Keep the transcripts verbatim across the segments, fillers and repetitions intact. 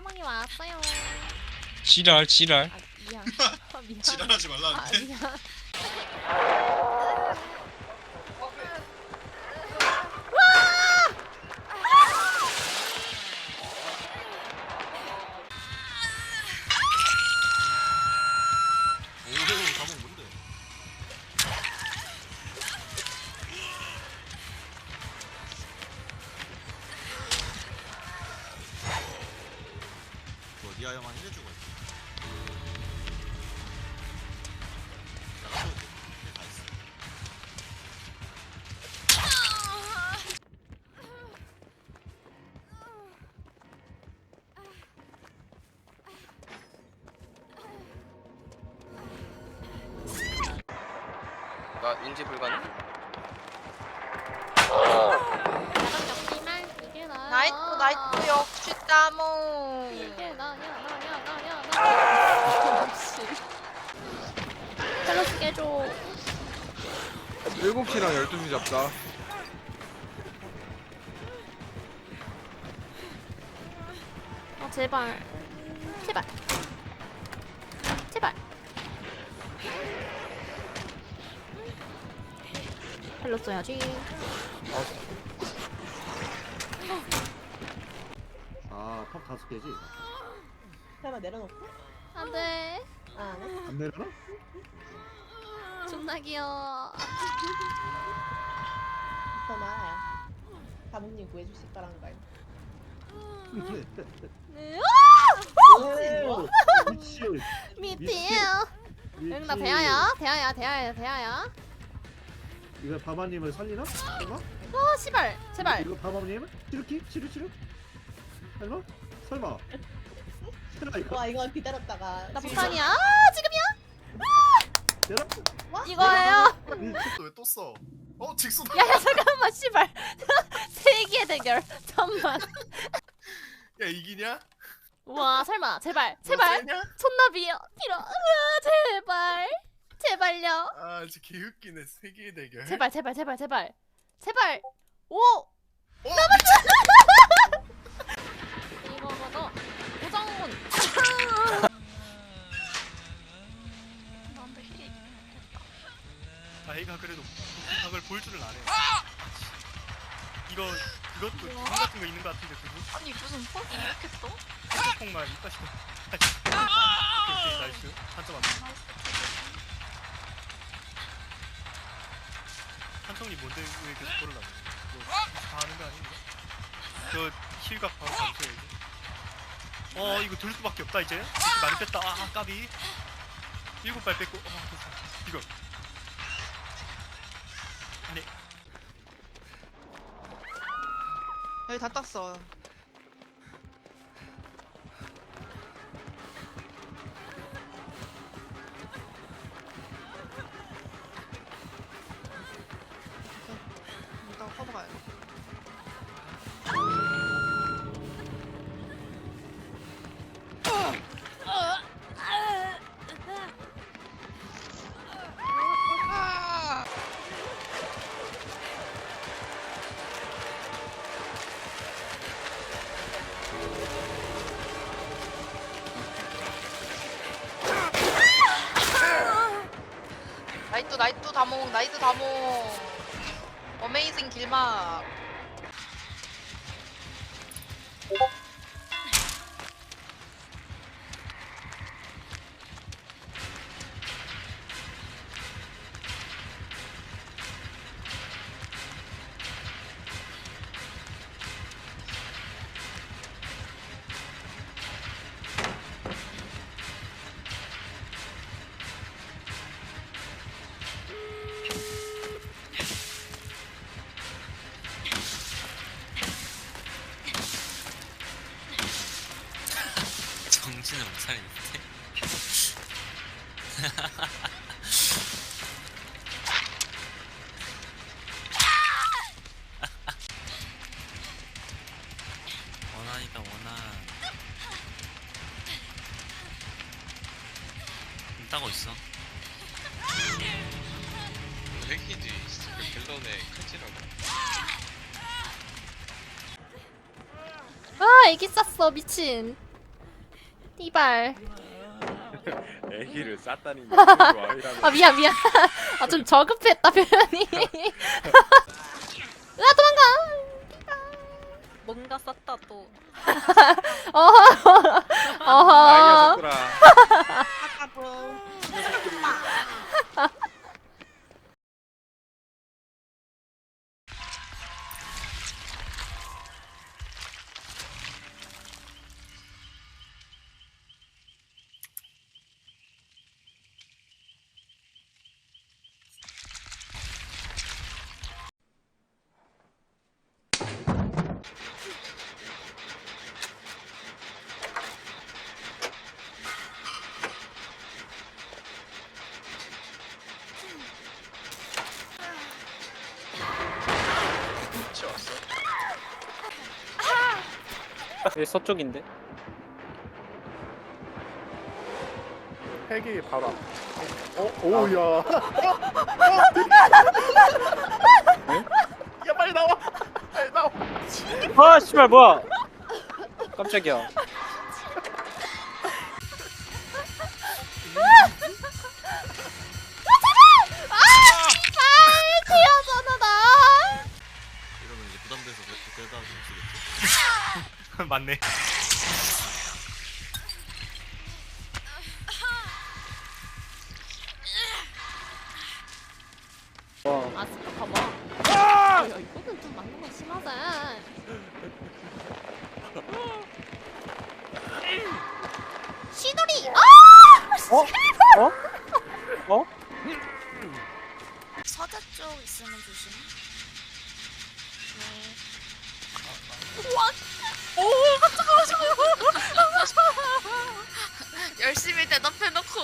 까망이 왔어요. 지랄 지랄. 아 미안. 아, 미안. 지랄하지 아 말라는데. 미안. 오, 가방 뭔데? 뭐 니아야만 해주고 있지. 나가도 돼. 네, 다 있어. 나 인지 불가능? 나랑 잡지만 이게 나야. 나이트 나이트 역시 따모. 이게 나야 나야 나야 나. 역시. 텔러스 깨줘. 일곱 시랑 열두 시 잡자. 아 제발. 제발. 제발. 헬로 써야지. 아, 팝 다섯 개지? 설마 내려놓고? 안돼. 아, 안 해? 안 내려나? 존나 귀여워. 설마 사모님 구해주실 거란 걸. 네. 오! 미치! 미티에요. 응, 나 대야야. 대야야. 대야야. 대야야. 이거 바바님을 살리나? 설마? 어, 씨발. 제발. 이거 바바님? 치르키? 치르 치르? 설마? 설마? 설마 이거? 와, 이거 기다렸다가. 나 지금 폭탄이야. 아, 지금이야? 내가? 와? 이거예요. 또왜또 써? 어, 직수. 야야 잠깐만 씨발. 세기의 대결. 잠만. 야, 이기냐? 와 설마 제발 너 제발 세냐? 손나비 빌어. 으아, 제발 제발요. 아, 진짜 개웃기네. 세계의 대결. 제발 제발 제발 제발 제발. 오. 어, 이거거든. 오정훈. 아이가 그래도 각을 볼 줄은 안 해. 이거 이것도 공 같은 거 있는 거 같은데 그거? 아니 무슨 퍽이 이렇게 떠? 핸드폰만 이따 시켜. 오케이, 오케이, 나이스. 한점 안 돼. 한성이 뭔데 왜 계속 걸으려고? 다 하는 거 아닌가? 저 힐각 바로 잡으셔야지. 어, 이거 들 수밖에 없다 이제. 많이 뺐다. 아, 까비. 일곱 발 뺐고. 어, 됐어. 이거. 아니. 여기 다 땄어. 이따가 커버가야 돼. 나이트 나이트 다몽 나이트 다몽 어메이징 길막. 정신을 못 차리는데. 원하니까 원한. 좀 따고 있어. 핵이지. 그 갤런의 칼질하고. 아 애기 쌌어 미친. 이발. 애기를 쌌다니 뭐 아니라는 아 미안 미안. 아 좀 저급했다 표현이. 으아 도망가. 뭔가 쌌다 또. 어허. 어허. 아, 이 녀석들아. 치웠어. 여기 서쪽인데? 헬기 바로 앞. 어? 오우야. 야 빨리 나와. 빨리 나와. 아 씨발 뭐야 깜짝이야. 아 튀어잖아 나. 이러면 이제 부담돼서 그때다 못 쓰겠지? 맞네. 와 아 진짜 봐봐. 아, 야 이거는 좀 맞는 거 심하다. 시돌이. 아! 어? 어? 어? 서자 쪽 있으면 조심. 열심히 대답해놓고.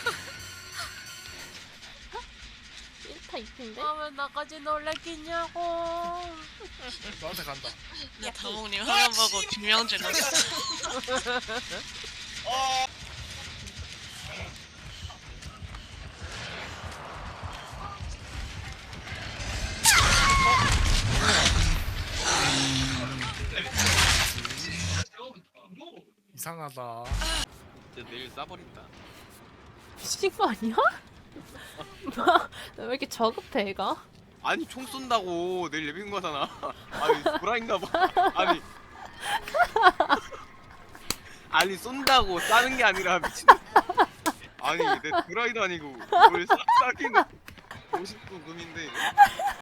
일 타 이 피인데? 왜 나까지 놀랬겠냐고. 너한테 간다. 나 다몽님 화면 보고 김명준 왔어. 이상하다. 이제 내일 싸버린다. 미친 거 아니야? 왜 이렇게 저급해 얘가? 아니 총 쏜다고 내일 예비군 가잖아. 아니 불화인가 봐. 아니 아니 쏜다고 싸는 게 아니라 미친. 아니 내 드라이도 아니고 뭘 싹 싸기는 오십 구 금인데